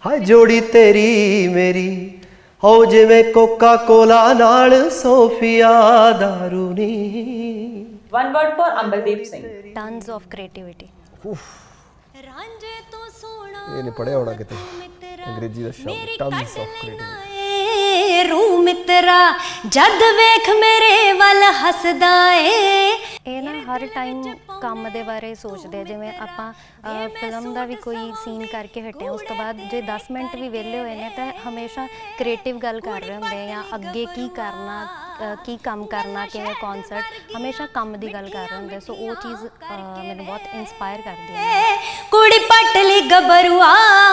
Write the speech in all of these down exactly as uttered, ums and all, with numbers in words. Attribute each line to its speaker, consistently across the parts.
Speaker 1: हाय जोड़ी तेरी मेरी हो जिवें कोका कोला नाल सोफिया दारू नी।
Speaker 2: One word for Amberdeep Singh.
Speaker 3: Tons of creativity.
Speaker 1: ਇਹ ਨਹੀਂ ਪੜਿਆ ਹੋਣਾ ਕਿਤੇ ਅੰਗਰੇਜ਼ੀ ਦਾ ਸ਼ਬਦ ਟਨਸ ਆਫ ਕ੍ਰੀਏਟੀਵਿਟੀ।
Speaker 3: ਰੂ ਮਿੱਤਰਾ ਜਦ ਵੇਖ ਮੇਰੇ ਵੱਲ ਹੱਸਦਾ ਏ। ਇਹ ਨਾ ਹਰ ਟਾਈਮ ਕੰਮ ਦੇ ਬਾਰੇ ਸੋਚਦੇ, ਜਿਵੇਂ ਆਪਾਂ ਫਿਲਮ ਦਾ ਵੀ ਕੋਈ ਸੀਨ ਕਰਕੇ ਹਟੇ ਉਸ ਤੋਂ ਬਾਅਦ ਜੇ ਦਸ ਮਿੰਟ ਵੀ ਵਿਹਲੇ ਹੋਏ ਨੇ ਤਾਂ ਹਮੇਸ਼ਾ ਕ੍ਰੀਏਟਿਵ ਗੱਲ ਕਰ ਰਹੇ ਹੁੰਦੇ ਜਾਂ ਅੱਗੇ ਕੀ ਕਰਨਾ, ਕੀ ਕੰਮ ਕਰਨਾ, ਕਿਵੇਂ ਕਨਸਰਟ, ਹਮੇਸ਼ਾ ਕੰਮ ਦੀ ਗੱਲ ਕਰ ਰਹੇ ਹੁੰਦੇ। ਸੋ ਉਹ ਚੀਜ਼ ਮੈਨੂੰ ਬਹੁਤ ਇਨਸਪਾਇਰ ਕਰਦੀ ਹੈ। ਕੁੜੀ ਪੱਟ ਲਈ ਗੱਭਰੂਆ।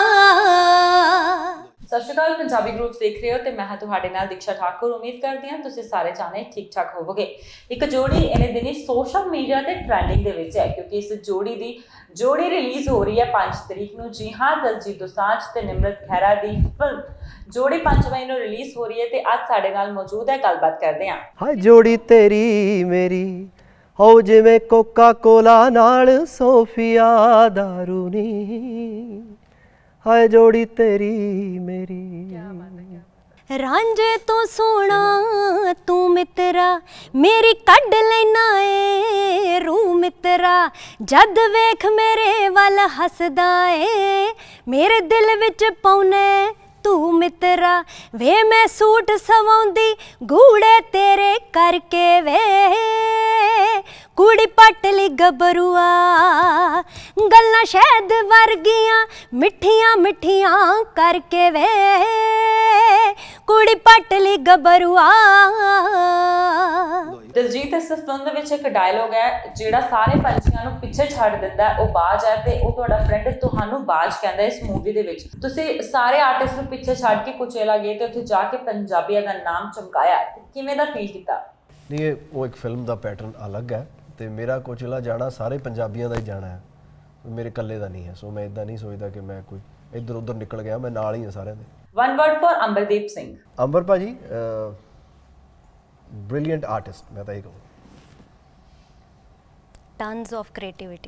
Speaker 2: ਸਤਿ ਸ਼੍ਰੀ ਅਕਾਲ, ਪੰਜਾਬੀ ਗਰੁੱਪ ਦੇਖ ਰਹੇ ਹੋ ਤੇ ਮੈਂ ਹਾਂ ਤੁਹਾਡੇ ਨਾਲ ਦੀਕਸ਼ਾ ਠਾਕੁਰ। ਉਮੀਦ ਕਰਦੀ ਹਾਂ ਤੁਸੀਂ ਸਾਰੇ ਜਾਣੇ ਠੀਕ ਠਾਕ ਹੋਵੋਗੇ। ਇੱਕ ਜੋੜੀ ਇਹਨੇ ਦਿਨੀ ਸੋਸ਼ਲ ਮੀਡੀਆ ਤੇ ਟ੍ਰੈਂਡਿੰਗ ਦੇ ਵਿੱਚ ਹੈ ਕਿਉਂਕਿ ਇਸ ਜੋੜੀ ਦੀ ਜੋੜੀ ਰਿਲੀਜ਼ ਹੋ ਰਹੀ ਹੈ ਪੰਜ ਤਰੀਕ ਨੂੰ। ਜੀ ਹਾਂ, ਦਲਜੀਤ ਦੋਸਾਂਝ ਤੇ ਨਿਮਰਤ ਖਹਿਰਾ ਦੀ ਫਿਲਮ ਜੋੜੀ ਪੰਜ ਮਈ ਨੂੰ ਰਿਲੀਜ਼ ਹੋ ਰਹੀ ਹੈ ਤੇ ਅੱਜ ਸਾਡੇ ਨਾਲ ਮੌਜੂਦ ਹੈ, ਗੱਲਬਾਤ ਕਰਦੇ ਹਾਂ।
Speaker 1: ਹਾਏ ਜੋੜੀ ਤੇਰੀ ਮੇਰੀ ਹੋ ਜਿਵੇਂ ਕੋਕਾ ਕੋਲਾ ਨਾਲ ਸੋਫੀਆ ਦਾਰੂ ਨੀ। ਹਾਏ ਜੋੜੀ ਤੇਰੀ ਮੇਰੀ।
Speaker 3: ਰਾਂਝੇ ਤੋਂ ਸੋਹਣਾ ਤੂੰ ਮਿੱਤਰਾ ਮੇਰੀ ਕੱਢ ਲੈਣਾ ਏ ਰੂ ਮਿੱਤਰਾ ਜਦ ਵੇਖ ਮੇਰੇ ਵੱਲ ਹੱਸਦਾ ਏ। ਮੇਰੇ ਦਿਲ ਵਿੱਚ ਪਾਉਨੇ ਤੂੰ ਮਿੱਤਰਾ ਵੇ ਮੈਂ ਸੂਟ ਸਵਾਉਂਦੀ ਗੂੜੇ ਤੇਰੇ ਕਰਕੇ ਵੇ। ਕੁੜੀ ਪੱਟ ਲਈ ਗੱਭਰੂਆ ਗੱਲਾਂ ਸ਼ਹਿਦ ਵਰਗੀਆਂ ਮਿੱਠੀਆਂ ਮਿੱਠੀਆਂ ਕਰਕੇ ਵੇ। ਕੁੜੀ ਪੱਟ ਲਈ ਗੱਭਰੂਆ।
Speaker 2: ਦਿਲਜੀਤ ਇਸ ਫਿਲਮ ਦੇ ਵਿੱਚ ਇੱਕ ਡਾਇਲੋਗ ਹੈ ਜਿਹੜਾ ਸਾਰੇ ਪੰਛੀਆਂ ਨੂੰ ਪਿੱਛੇ ਛੱਡ ਦਿੰਦਾ ਹੈ, ਉਹ ਬਾਜ ਹੈ ਤੇ ਉਹ ਤੁਹਾਡਾ ਫਰੈਂਡ ਤੁਹਾਨੂੰ ਬਾਜ ਕਹਿੰਦਾ। ਇਸ ਮੂਵੀ ਦੇ ਵਿੱਚ ਤੁਸੀਂ ਸਾਰੇ ਆਰਟਿਸਟ ਨੂੰ ਪਿੱਛੇ ਛੱਡ ਕੇ ਕੁਚੇਲਾ ਗਏ ਤੇ ਉੱਥੇ ਜਾ ਕੇ ਪੰਜਾਬੀਆਂ ਦਾ ਨਾਮ ਚਮਕਾਇਆ, ਕਿਵੇਂ ਦਾ ਫੀਲ ਕੀਤਾ?
Speaker 1: ਨਹੀਂ, ਇਹ ਉਹ ਇੱਕ ਫਿਲਮ ਦਾ ਪੈਟਰਨ ਅਲੱਗ ਹੈ ਤੇ ਮੇਰਾ ਕੋਚਲਾ ਜਾਣਾ ਸਾਰੇ ਪੰਜਾਬੀਆਂ ਦਾ ਹੀ ਜਾਣਾ ਹੈ, ਮੇਰੇ ਇਕੱਲੇ ਦਾ ਨਹੀਂ ਹੈ। ਸੋ ਮੈਂ ਇਦਾਂ ਨਹੀਂ ਸੋਚਦਾ ਕਿ ਮੈਂ ਕੋਈ ਇੱਧਰ ਉੱਧਰ ਨਿਕਲ ਗਿਆ, ਮੈਂ ਨਾਲ ਹੀ ਹਾਂ ਸਾਰਿਆਂ ਦੇ।
Speaker 2: One word for Ambardeep Singh.
Speaker 1: Ambar ਭਾਜੀ ਬ੍ਰਿਲੀਅੰਟ ਆਰਟਿਸਟ, ਮੈਂ ਤਾਂ ਇਹ ਕਹੂੰ।
Speaker 3: Tons of creativity.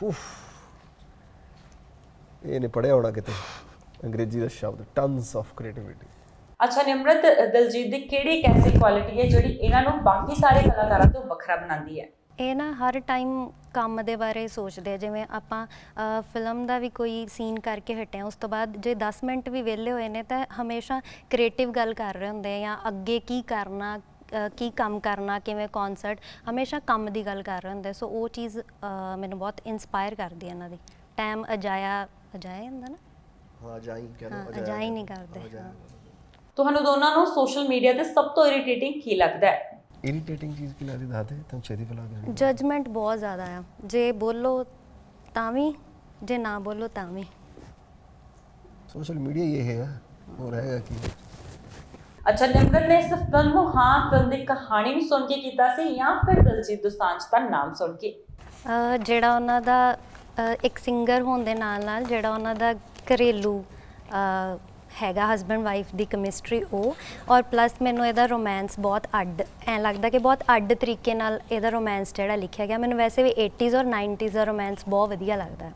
Speaker 1: ਇਹ ਨਹੀਂ ਪੜਿਆ ਹੋਣਾ ਕਿਤੇ ਅੰਗਰੇਜ਼ੀ ਦਾ ਸ਼ਬਦ ਟਨਸ ਆਫ ਕ੍ਰੀਏਟੀਵਿਟੀ।
Speaker 2: ਅੱਛਾ, ਨਿਮਰਤ ਦਿਲਜੀਤ ਦੀ ਕਿਹੜੀ ਇੱਕ ਐਸੀ ਕੁਆਲਿਟੀ ਹੈ ਜਿਹੜੀ ਇਹਨਾਂ ਨੂੰ ਬਾਕੀ ਸਾਰੇ ਕਲਾਕਾਰਾਂ ਤੋਂ ਵੱਖਰਾ ਬਣਾਉਂਦੀ ਹੈ?
Speaker 3: ਇਹ ਨਾ ਹਰ ਟਾਈਮ ਕੰਮ ਦੇ ਬਾਰੇ ਸੋਚਦੇ, ਜਿਵੇਂ ਆਪਾਂ ਫਿਲਮ ਦਾ ਵੀ ਕੋਈ ਸੀਨ ਕਰਕੇ ਹਟੇ ਉਸ ਤੋਂ ਬਾਅਦ ਜੇ ਦਸ ਮਿੰਟ ਵੀ ਵਿਹਲੇ ਹੋਏ ਨੇ ਤਾਂ ਹਮੇਸ਼ਾ ਕ੍ਰੀਏਟਿਵ ਗੱਲ ਕਰ ਰਹੇ ਹੁੰਦੇ ਜਾਂ ਅੱਗੇ ਕੀ ਕਰਨਾ, ਕੀ ਕੰਮ ਕਰਨਾ, ਕਿਵੇਂ ਕਨਸਰਟ, ਹਮੇਸ਼ਾ ਕੰਮ ਦੀ ਗੱਲ ਕਰ ਰਹੇ ਹੁੰਦੇ। ਸੋ ਉਹ ਚੀਜ਼ ਮੈਨੂੰ ਬਹੁਤ ਇਨਸਪਾਇਰ ਕਰਦੀ ਹੈ ਇਹਨਾਂ ਦੀ। ਟਾਈਮ ਅਜਾਇਆ ਅਜਾਇਆ ਹੁੰਦਾ ਨਾ,
Speaker 1: ਹਾਂ ਅਜਾਈ ਕਹਿੰਦੇ,
Speaker 3: ਅਜਾਈ ਨਹੀਂ ਕਰਦੇ।
Speaker 2: ਤੁਹਾਨੂੰ ਦੋਨਾਂ ਨੂੰ ਸੋਸ਼ਲ ਮੀਡੀਆ ਤੇ ਸਭ ਤੋਂ ਇਰੀਟੇਟਿੰਗ ਕੀ ਲੱਗਦਾ ਹੈ?
Speaker 1: ਇਰੀਟੇਟਿੰਗ ਚੀਜ਼ ਕੀ ਲੱਗਦੀ ਦੱਸ ਦੇ, ਤੈਨੂੰ ਛੇਤੀ ਬੁਲਾ ਦੇ।
Speaker 3: ਜਜਮੈਂਟ ਬਹੁਤ ਜ਼ਿਆਦਾ ਆ, ਜੇ ਬੋਲੋ ਤਾਂ ਵੀ, ਜੇ ਨਾ ਬੋਲੋ ਤਾਂ ਵੀ।
Speaker 1: ਸੋਸ਼ਲ ਮੀਡੀਆ ਇਹ ਹੈ, ਹੋਰ ਹੈਗਾ ਕੀ?
Speaker 2: ਅੱਛਾ, ਨਿਮਰਤ ਨੇ ਇਸ ਫਿਲਮ ਨੂੰ ਹਾਂ ਫਿਲਮ ਦੀ ਕਹਾਣੀ ਨੂੰ ਸੁਣ ਕੇ ਕੀਤਾ ਸੀ ਜਾਂ ਫਿਰ ਦਿਲਜੀਤ ਦੋਸਾਂਝ ਦਾ ਨਾਮ ਸੁਣ ਕੇ?
Speaker 3: ਜਿਹੜਾ ਉਹਨਾਂ ਦਾ ਇੱਕ ਸਿੰਗਰ ਹੋਣ ਦੇ ਨਾਲ ਨਾਲ ਜਿਹੜਾ ਉਹਨਾਂ ਦਾ ਘਰੇਲੂ ਹੈਗਾ ਹਸਬੈਂਡ ਵਾਈਫ ਦੀ ਕੈਮਿਸਟਰੀ, ਉਹ ਔਰ ਪਲੱਸ ਮੈਨੂੰ ਇਹਦਾ ਰੋਮਾਂਸ ਬਹੁਤ ਅੱਡ ਐਂ ਲੱਗਦਾ ਕਿ ਬਹੁਤ ਅੱਡ ਤਰੀਕੇ ਨਾਲ ਇਹਦਾ ਰੋਮਾਂਸ ਜਿਹੜਾ ਲਿਖਿਆ ਗਿਆ। ਮੈਨੂੰ ਵੈਸੇ ਵੀ ਏਟੀਜ਼ ਔਰ ਨਾਈਨਟੀਜ਼ ਦਾ ਰੋਮਾਂਸ ਬਹੁਤ ਵਧੀਆ ਲੱਗਦਾ।